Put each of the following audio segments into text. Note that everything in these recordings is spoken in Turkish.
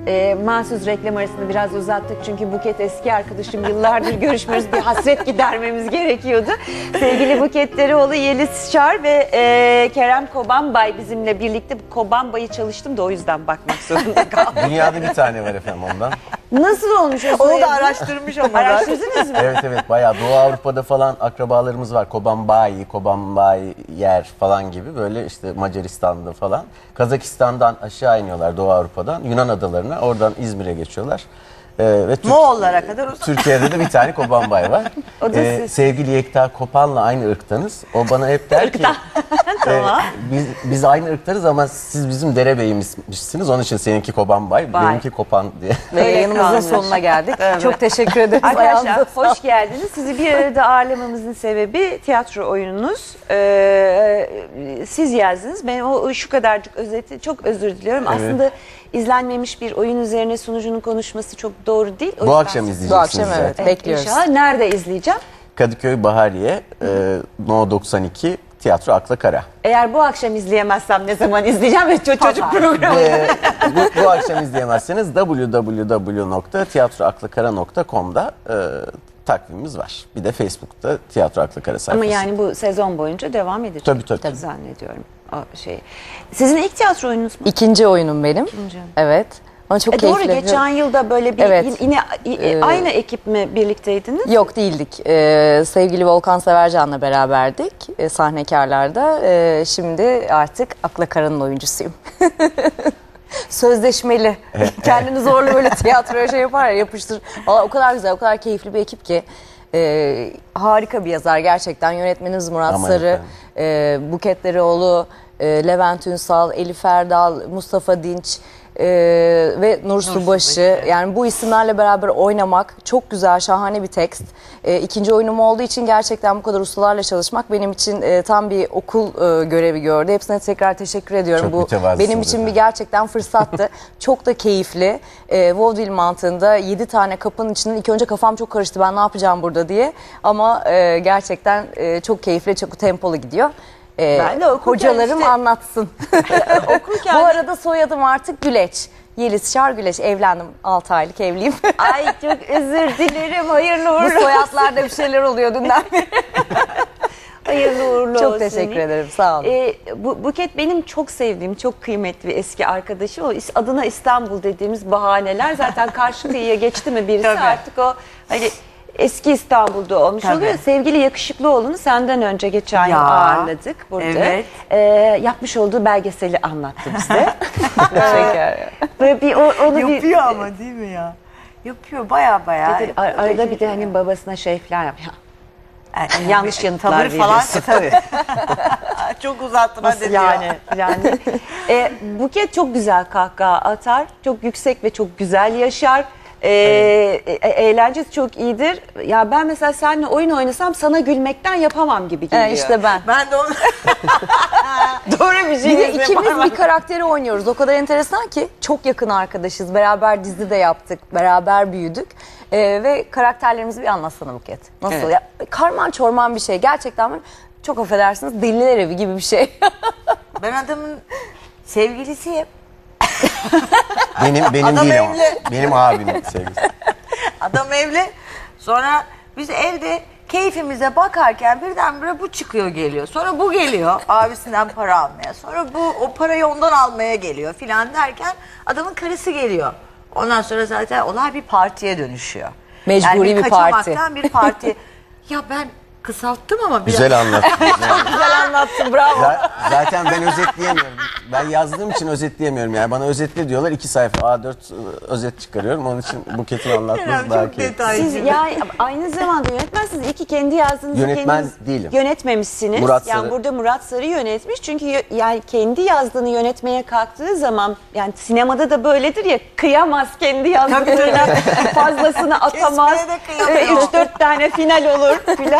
Mahsus reklam arasında biraz uzattık çünkü Buket eski arkadaşım, yıllardır görüşmüyoruz, bir hasret gidermemiz gerekiyordu. Sevgili Buket Dereoğlu, Yeliz Şar ve Kerem Kobanbay bizimle birlikte. Kobanbay'ı çalıştım da o yüzden bakmak zorunda kaldım. Dünyada bir tane var efendim ondan. Nasıl olmuş o Onu da araştırmış ama. Araştırdınız mı? Evet bayağı Doğu Avrupa'da falan akrabalarımız var. Kobanbayer falan gibi, böyle işte Macaristan'da falan. Kazakistan'dan aşağı iniyorlar, Doğu Avrupa'dan Yunan adalarına, oradan İzmir'e geçiyorlar. Ve Moğollara kadar uzak. Türkiye'de de bir tane Kobanbay var. Sevgili Yekta Kopan'la aynı ırktanız. O bana hep der ki Tamam. biz aynı ırktarız ama siz bizim derebeyimizmişsiniz. Onun için seninki Kobanbay, benimki Kopan diye. Ve yayınımızın sonuna geldik. Çok teşekkür ederiz. Arkadaşlar hoş geldiniz. Sizi bir arada ağırlamamızın sebebi tiyatro oyununuz. Siz yazdınız. Ben o şu kadarcık özeti, çok özür diliyorum. Evet. Aslında izlenmemiş bir oyun üzerine sunucunun konuşması çok doğru değil. O Bu yüzden akşam siz- izleyeceksiniz Bu akşam zaten. evet, bekliyoruz. İnşallah. Nerede izleyeceğim? Kadıköy Bahariye, No 92, Tiyatro Akla Kara. Eğer bu akşam izleyemezsem ne zaman izleyeceğim? Ve çocuk programı. Bu akşam izleyemezseniz www.tiyatroaklakara.com'da takvimimiz var. Bir de Facebook'ta Tiyatro Akla Kara sayfası. Ama yani bu sezon boyunca devam edecek. Tabii. Zannediyorum. O şey. Sizin ilk tiyatro oyununuz mu? İkinci oyunum benim. Evet. Ama çok Doğru, keyifli. geçen yılda böyle bir Evet. yine aynı ekip mi birlikteydiniz? Yok, değildik. Sevgili Volkan Severcan'la beraberdik sahnekarlarda. Şimdi artık Akla Kara'nın oyuncusuyum. Sözleşmeli. Kendini zorla böyle tiyatroya şey yapar ya, yapıştır. Vallahi o kadar güzel, o kadar keyifli bir ekip ki. Harika bir yazar gerçekten. Yönetmenimiz Murat Aman Sarı, Buket Dereoğlu, Levent Ünsal, Elif Erdal, Mustafa Dinç ve Nur Subaşı. Yani bu isimlerle beraber oynamak çok güzel, şahane bir tekst. İkinci oyunum olduğu için gerçekten bu kadar ustalarla çalışmak benim için tam bir okul görevi gördü. Hepsine tekrar teşekkür ediyorum. Çok Bu mütevazısınız benim için bir efendim. gerçekten fırsattı. Çok da keyifli. Vaudeville mantığında 7 tane kapının içinden ilk önce kafam çok karıştı, ben ne yapacağım burada diye. Ama gerçekten çok keyifli, çok tempolu gidiyor. Ben de okurken Hocalarım işte- anlatsın. Okurken- Bu arada soyadım artık Güleç. Yeliz Şar Güleç. Evlendim. 6 aylık evliyim. Ay çok özür dilerim. Hayırlı Bu uğurlu. soyadlarda bir şeyler oluyor dünden beri. Hayırlı uğurlu olsun. Çok teşekkür ederim. Sağ olun. Buket benim çok sevdiğim, çok kıymetli bir eski arkadaşım. O adına İstanbul dediğimiz bahaneler. Zaten karşı kıyıya geçti mi birisi Tabii. artık o hani eski İstanbul'da olmuş Tabii. oluyor. Sevgili Yakışıklıoğlu'nu senden önce geçen yıl Ya, ağırladık burada. evet. Yapmış olduğu belgeseli anlattı bize. Teşekkür. Böyle bir onu bir Yapıyor ama değil mi ya? Yapıyor baya. arada bir de hani babasına şey falan yapıyor. Yanlış yanıtlar Tavır falan veriyorsun. tabii. Çok uzattın hadi diyor. Yani Buket çok güzel kahkaha atar, çok yüksek ve çok güzel yaşar. Eğlencesi çok iyidir. Ya ben mesela seninle oyun oynasam sana gülmekten yapamam gibi geliyor. İşte ben. Ben de onu... Doğru bir şey. Bir de ikimiz bir karakteri oynuyoruz. O kadar enteresan ki çok yakın arkadaşız. Beraber dizi de yaptık. Beraber büyüdük. Ve karakterlerimizi bir anlatsana Buket. Nasıl Evet. ya? Karman çorman bir şey. Gerçekten çok affedersiniz, deliler evi gibi bir şey. Ben adamın sevgilisiyim. Benim Adam değil ama. evli. Benim abimin sevgisi. Adam evli. Sonra biz evde keyfimize bakarken birdenbire bu çıkıyor geliyor. Sonra bu geliyor abisinden para almaya. Sonra bu o parayı ondan almaya geliyor filan derken adamın karısı geliyor. Ondan sonra zaten olay bir partiye dönüşüyor. Mecburi yani bir parti. kaçamaktan bir parti. Ya ben kısalttım ama biraz. Güzel anlattın. Yani Güzel anlattın, bravo. zaten ben özetleyemiyorum. Ben yazdığım için özetleyemiyorum. Yani bana özetle diyorlar, 2 sayfa A4 özet çıkarıyorum. Onun için Buket'in anlatması daha Çok keyifli. detaycı. Siz yani aynı zamanda yönetmensiniz. İyi ki kendi yazdığınızı Yönetmen kendiniz değilim. yönetmemişsiniz. Murat yani Sarı. burada Murat Sarı yönetmiş. Çünkü yani kendi yazdığını yönetmeye kalktığı zaman, yani sinemada da böyledir ya, kıyamaz kendi yazdığına, fazlasını atamaz. Kesmeye de kıyamıyor. 3-4 tane final olur filan.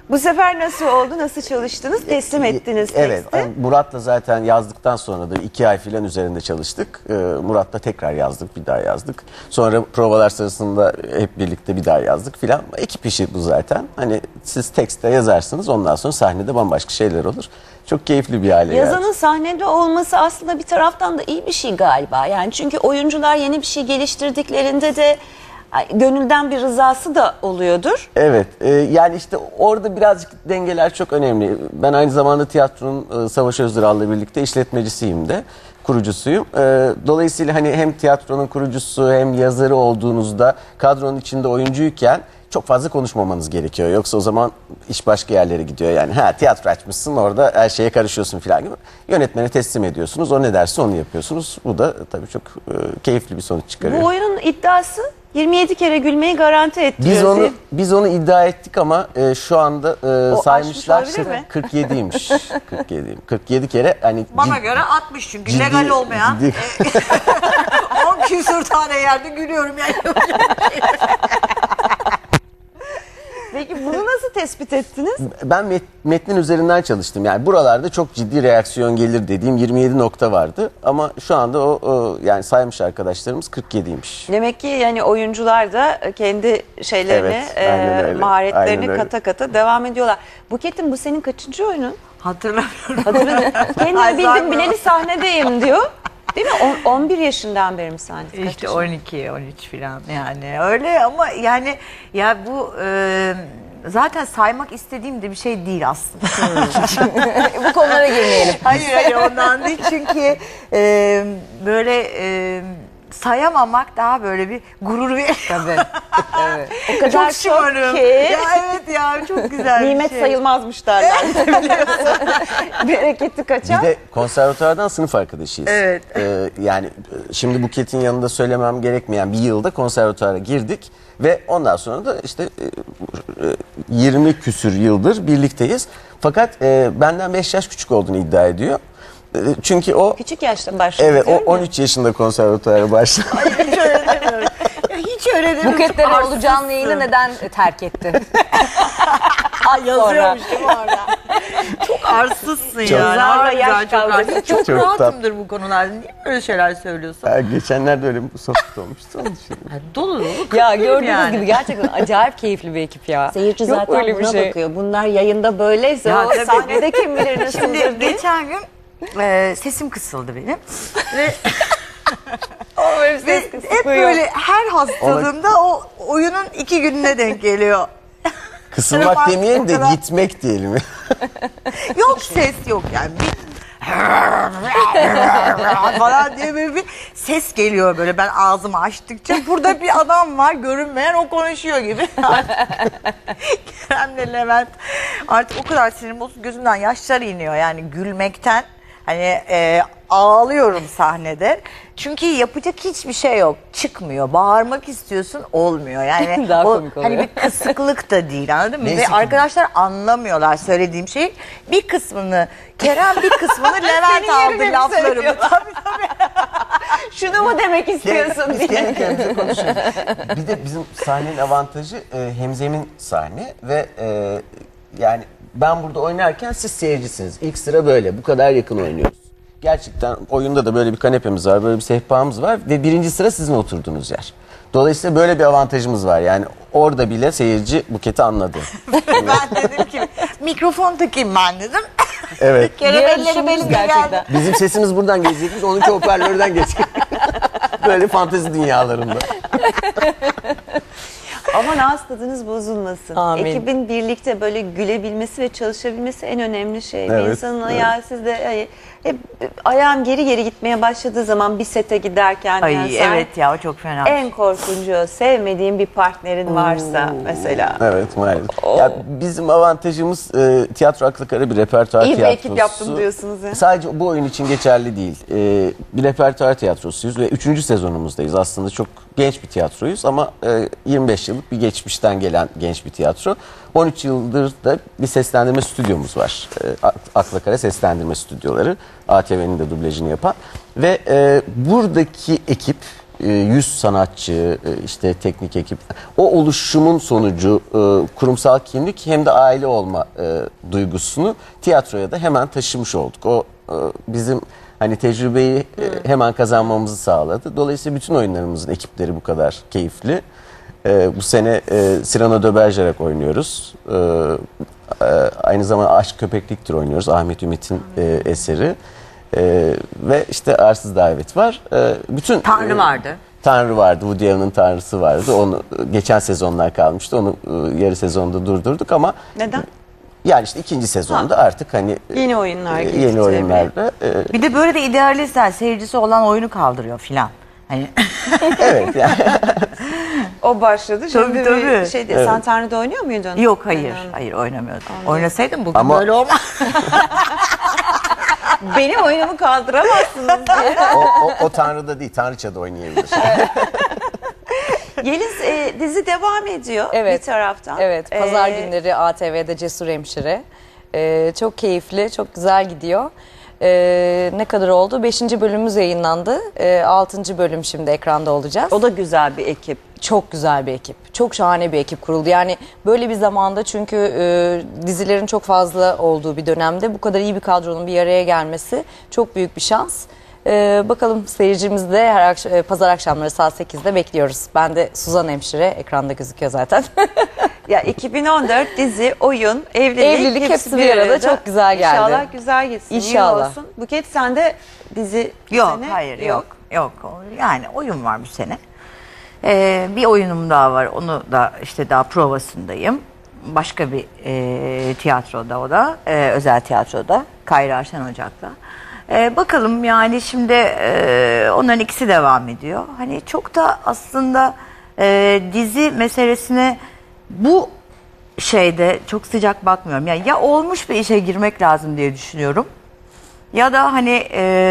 Bu sefer nasıl oldu? Nasıl çalıştınız? Teslim ettiniz Evet, teksti. Murat'la zaten yazdıktan sonra da 2 ay filan üzerinde çalıştık. Murat'la tekrar yazdık, bir daha yazdık. Sonra provalar sırasında hep birlikte bir daha yazdık filan. Ekip işi bu zaten. Hani siz tekste yazarsınız, ondan sonra sahnede bambaşka şeyler olur. Çok keyifli bir hale Yazanın geldi. sahnede olması aslında bir taraftan da iyi bir şey galiba. Yani çünkü oyuncular yeni bir şey geliştirdiklerinde de gönülden bir rızası da oluyordur. Evet, yani işte orada birazcık dengeler çok önemli. Ben aynı zamanda tiyatronun Savaş Özdıral'la birlikte işletmecisiyim de, kurucusuyum. Dolayısıyla hani hem tiyatronun kurucusu hem yazarı olduğunuzda kadronun içinde oyuncuyken çok fazla konuşmamanız gerekiyor. Yoksa o zaman iş başka yerlere gidiyor. Yani tiyatro açmışsın, orada her şeye karışıyorsun falan gibi. Yönetmene teslim ediyorsunuz. O ne derse onu yapıyorsunuz. Bu da tabii çok keyifli bir sonuç çıkarıyor. Bu oyunun iddiası 27 kere gülmeyi garanti ettiriyor. Biz onu iddia ettik ama şu anda saymışlar aşmış olabilir mi? 47'ymiş. 47 kere hani Bana göre 60 çünkü legal olmayan. 10 küsur tane yerde gülüyorum yani. Peki bunu nasıl tespit ettiniz? Ben metnin üzerinden çalıştım. Yani buralarda çok ciddi reaksiyon gelir dediğim 27 nokta vardı. Ama şu anda yani saymış arkadaşlarımız 47'ymiş. Demek ki yani oyuncular da kendi şeylerini, Evet, aynen öyle. maharetlerini Aynen öyle. kata kata devam ediyorlar. Buket'im, bu senin kaçıncı oyunun? Hatırlamıyorum. Hatırladım. Kendimi Ay, bildim zaten- bileli sahnedeyim diyor. Değil mi? 11 yaşından beri mi sahnede? Kaç İşte yaşında? 12, 13 falan yani öyle ama yani ya bu zaten saymak istediğim de bir şey değil aslında. Bu konulara girmeyelim. hayır ondan değil çünkü böyle sayamamak daha böyle bir gurur veriyor. Tabii. Evet. O kadar çok şımarım. ki. Ya evet ya çok güzel bir Nimet şey. sayılmazmış derler. Bereketi kaçan. Bir de konservatuvardan sınıf arkadaşıyız. Evet. Yani şimdi Buket'in yanında söylemem gerekmeyen bir yılda konservatuvara girdik. Ve ondan sonra da işte 20 küsür yıldır birlikteyiz. Fakat benden 5 yaş küçük olduğunu iddia ediyor. Çünkü o Küçük yaşta başladı. evet o diyorum ya. 13 yaşında konservatuvara başladı. Hiç öyle demiyorum. Ya hiç öyle demiyorum. Buketleri Çok olacağın arsızsın. yayını neden terk ettin? Yazıyormuş değil mi orada? Çok arsızsın Çok. yani. Zarla Harbiden yaş çok kavgası. arsız. Çok Çok rahatımdır bu konularda. Niye böyle şeyler söylüyorsun? Geçenlerde öyle bir sohbet olmuştu. Onun için. Dolu dolu. Ya kıtlıyım gördüğünüz yani. gibi gerçekten acayip keyifli bir ekip ya. Seyirci Yok zaten öyle bir buna şey. bakıyor. Bunlar yayında böyleyse Ya o tabii. sahnede kim bilir nasıldır Şimdi diye. geçen gün sesim kısıldı benim. Ve Ve hep böyle her hastalığımda o oyunun 2 gününe denk geliyor. Kısılmak Sınıf demeyelim de arkadaş- gitmek diyelim. Yok ses yok yani. Falan diye böyle bir ses geliyor böyle ben ağzımı açtıkça. Burada bir adam var görünmeyen, o konuşuyor gibi. Kerem'le Levent artık o kadar sinirim bozuk, gözümden yaşlar iniyor yani gülmekten. Hani ağlıyorum sahnede. Çünkü yapacak hiçbir şey yok. Çıkmıyor. Bağırmak istiyorsun, olmuyor. Yani Daha o komik oluyor. hani bir kısıklık da değil, anladın mı? Neyse Ve ki- arkadaşlar anlamıyorlar söylediğim şeyi. Bir kısmını Kerem, bir kısmını Levent Senin aldı yerine mi laflarımı. söylüyorlar? Tabii tabii. Şunu mu demek istiyorsun Biz diye. kendi kendimize konuşuyoruz. Bir de bizim sahnenin avantajı hemzemin sahne ve yani ben burada oynarken siz seyircisiniz. İlk sıra böyle, bu kadar yakın oynuyoruz. Gerçekten oyunda da böyle bir kanepemiz var, böyle bir sehpamız var ve birinci sıra sizin oturduğunuz yer. Dolayısıyla böyle bir avantajımız var. Yani orada bile seyirci Buket'i anladı. Ben dedim ki mikrofon takayım ben dedim. Evet. Kerem Bir elleri düşündünüz belinde gerçekten. geldi. Bizim sesimiz buradan gelecekmiş, onunki hoparlörden geçecek. Böyle fantezi dünyalarında. Aman ağız tadınız bozulmasın. Amin. Ekibin birlikte böyle gülebilmesi ve çalışabilmesi en önemli şey. Bir Evet, insanın evet. ayağı sizde hep ayağın geri geri gitmeye başladığı zaman bir sete giderken Ay yani sen evet ya, o çok fena. en korkuncu o. Sevmediğin bir partnerin varsa mesela. Evet, maalesef. Ya bizim avantajımız tiyatro aklı kara bir repertuar İyi bir tiyatrosu. ekip yaptım diyorsunuz ya. Sadece bu oyun için geçerli değil. Bir repertuar tiyatrosuyuz ve 3. sezonumuzdayız. Aslında çok genç bir tiyatroyuz ama 25 yıllık bir geçmişten gelen genç bir tiyatro. 13 yıldır da bir seslendirme stüdyomuz var. Akla Kara Seslendirme Stüdyoları. ATV'nin de dublajını yapan. Ve buradaki ekip 100 sanatçı, işte teknik ekip, o oluşumun sonucu kurumsal kimlik hem de aile olma duygusunu tiyatroya da hemen taşımış olduk. O bizim hani tecrübeyi hemen kazanmamızı sağladı. Dolayısıyla bütün oyunlarımızın ekipleri bu kadar keyifli. Bu sene Cyrano de Bergerac oynuyoruz. Aynı zamanda Aşk Köpekliktir oynuyoruz. Ahmet Ümit'in eseri. Ve işte Arsız Davet var. Bütün Tanrı vardı. Tanrı vardı. Woody Allen'ın Tanrısı vardı. Onu geçen sezonlar kalmıştı. Onu yarı sezonda durdurduk ama Neden? yani işte ikinci sezonda artık hani Yeni oyunlar yeni getirdi. oyunlarla Bir de böyle de idealistler seyircisi olan oyunu kaldırıyor filan. Hani evet yani O başladı. Şimdi Tabii, bir tabii. şey değil. Sen Tanrı'da oynuyor muydun? yok hayır oynamıyordum. Oynasaydım bugün Ama- böyle olmaz. Benim oyunumu kaldıramazsınız diye. o Tanrı'da değil, Tanrıça'da oynayabilir. Yeliz dizi devam ediyor Evet. bir taraftan. Evet, pazar günleri ATV'de Cesur Hemşire. Çok keyifli, çok güzel gidiyor. Ne kadar oldu? 5. bölümümüz yayınlandı. 6. bölüm şimdi ekranda olacağız. O da güzel bir ekip. Çok güzel bir ekip. Çok şahane bir ekip kuruldu. Yani böyle bir zamanda çünkü dizilerin çok fazla olduğu bir dönemde bu kadar iyi bir kadronun bir araya gelmesi çok büyük bir şans. Bakalım seyircimizi de her pazar akşamları saat 8'de bekliyoruz. Ben de Suzan Hemşire, ekranda gözüküyor zaten. Ya 2014 dizi, oyun, evlilik hepsi bir arada çok güzel geldi. İnşallah güzel gitsin. iyi İnşallah. olsun. Buket sende dizi bu Yok sene hayır yok. Yani oyun var bu sene. Bir oyunum daha var. Onu da işte daha provasındayım. Başka bir tiyatroda o da. Özel tiyatroda. Kayra Şen Ocak'ta. Bakalım yani şimdi onların ikisi devam ediyor. Hani çok da aslında dizi meselesine bu şeyde çok sıcak bakmıyorum. Yani ya olmuş bir işe girmek lazım diye düşünüyorum. Ya da hani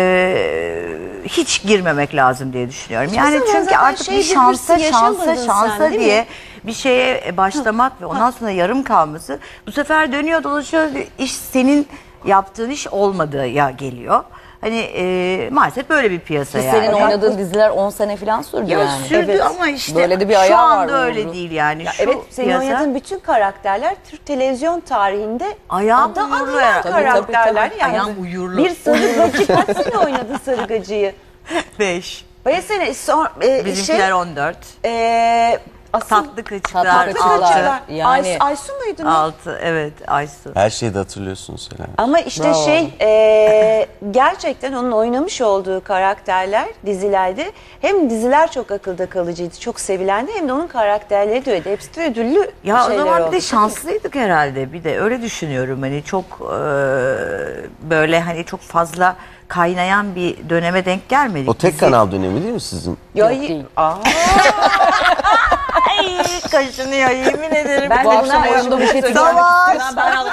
hiç girmemek lazım diye düşünüyorum. Yani zaman çünkü zaten artık şey bir şansa hırsı yaşamadın sen, değil diye mi? bir şeye başlamak ve ondan sonra yarım kalması bu sefer dönüyor dolaşıyor iş senin yaptığın iş olmadığı geliyor. Hani maalesef böyle bir piyasa yani. Senin oynadığın diziler 10 sene falan sürdü Ya yani. sürdü Evet. ama işte Böyle de bir şu ayağı var anda öyle Uğur'un. değil yani. Ya Şu evet, senin piyasa, oynadığın bütün karakterler Türk televizyon tarihinde ayağım adı uyurlu anılan ya. karakterler. Tabii. Yani Ayağım uyurlu. bir sarıgacı kaç sene oynadı sarıgacıyı? 5. Bayağı sene Bizimkiler 14. asıl Tatlı kıçlar Tatlı Kıçlar. 6. Yani- Aysu muydu ne? 6 evet Aysu. Her şeyi de hatırlıyorsunuz Selen. Ama işte Bravo. gerçekten onun oynamış olduğu karakterler dizilerde hem diziler çok akılda kalıcıydı, çok sevilendi hem de onun karakterleri de öyle. Hepsi de ödüllü Ya o şeyler zaman bir oldu. de şanslıydık herhalde. Bir de öyle düşünüyorum. Hani çok böyle hani çok fazla kaynayan bir döneme denk gelmedik. O tek Bizi- kanal dönemi değil mi sizin? Ya, Yok değil. Ay kaşınıyor yemin ederim. Ben Bu de akşam buna oyunda Buket'i Savaş. görmek istiyorum.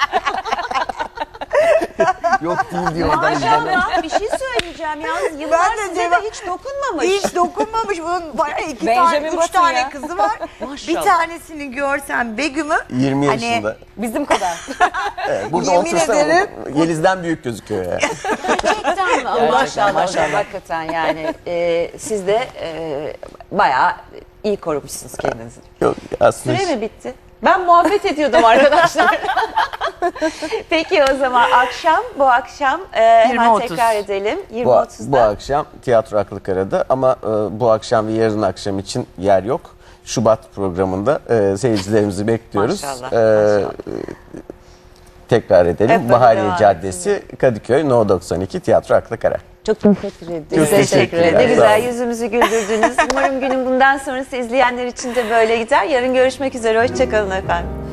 Yok değil diyor oradan izlemem. Maşallah bir şey söyleyeceğim yalnız yıllar Ben de size de cevap- hiç dokunmamış. Hiç dokunmamış. Bunun bayağı iki Benjamin tane, üç Button tane ya. kızı var. Bir tanesini görsen Begüm'ü. 20 hani yaşında. Bizim kadar. Evet, burada Yemin otursam ederim. Yeliz'den büyük gözüküyor ya. Gerçekten mi? Maşallah hocam hakikaten yani siz de bayağı iyi korumuşsunuz kendinizi. Yok aslında Süre mi bitti? Ben muhabbet ediyordum arkadaşlar. Peki o zaman bu akşam hemen 20.30. tekrar edelim. bu 20.30'da. akşam Tiyatro Aklı Kara'da ama bu akşam ve yarın akşam için yer yok. Şubat programında seyircilerimizi bekliyoruz. Maşallah, Maşallah. Tekrar Hep edelim. böyle Bahariye devam Caddesi, Kadıköy, No 92 Tiyatro Aklı Kara. Çok teşekkür ederim. Çok teşekkürler. Ne Sağ güzel olun. yüzümüzü güldürdünüz. Umarım günün bundan sonrası izleyenler için de böyle gider. Yarın görüşmek üzere. Hoşçakalın efendim.